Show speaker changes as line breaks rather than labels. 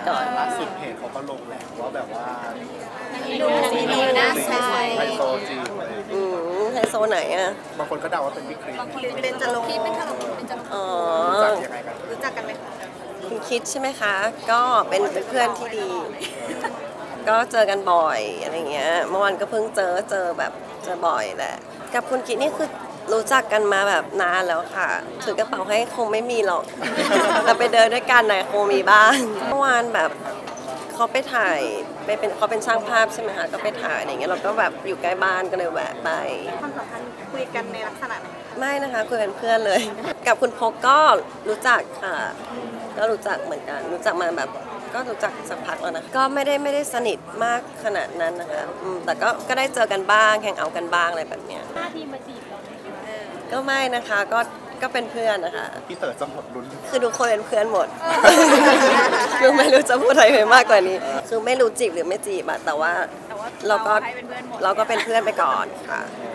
ก่อน
ล่าสุดเพจเขาก็ลงแหละว่าแบบว่า
ดูน่าใช่
ไฮโซจีบอะไร
ไฮโซไหนอ่ะ
บางคนก็เดาว่าเป็นวิกฤต
เป็นจะลงเป็นจะลง
อ๋อ
รู้จักยังไงกัน
รู้จักกันไหมคะ
คุณคิดใช่ไหมคะก็เป็นเพื่อนที่ดี ก็เจอกันบ่อยอะไรเงี้ยเมื่อวานก็เพิ่งเจอแบบเจอบ่อยแหละกับคุณคิดนี่คือรู้จักกันมาแบบนานแล้วค่ะถือกระเป๋าให้คงไม่มีหรอก แต่ไปเดินด้วยกันไหนคงมีบ้างเมื่อวานแบบเขาไปถ่ายเขาเป็นช่างภาพใช่ไหมคะก็ไปถ่ายอะไรเงี้ยเราก็แบบอยู่ใกล้บ้านก็เลยแวะไป
ความสัมพันธ์คุยกันในลักษณะไหน
ไม่นะคะคุยเป็นเพื่อนเลย กับคุณพกก็รู้จักค่ะก็รู้จักเหมือนกันรู้จักมาแบบก็รู้จักสักพักแล้วนะก็ไม่ได้สนิทมากขนาดนั้นนะคะแต่ก็ได้เจอกันบ้างแข่งเอากันบ้างอะไรแบบเนี้ย
ท่าทีมาจีบเรา
ก็ไม่นะคะก็เป็นเพื่อนนะคะ
พี่เต๋อจะหมดลุ้น
คือทุกคนเป็นเพื่อนหมด คือไม่รู้จะพูดอะไรไปมากกว่านี้คือไม่รู้จีบหรือไม่จีบอะแต่ว่าเราก็เป็นเพื่อนไปก่อนค่ะ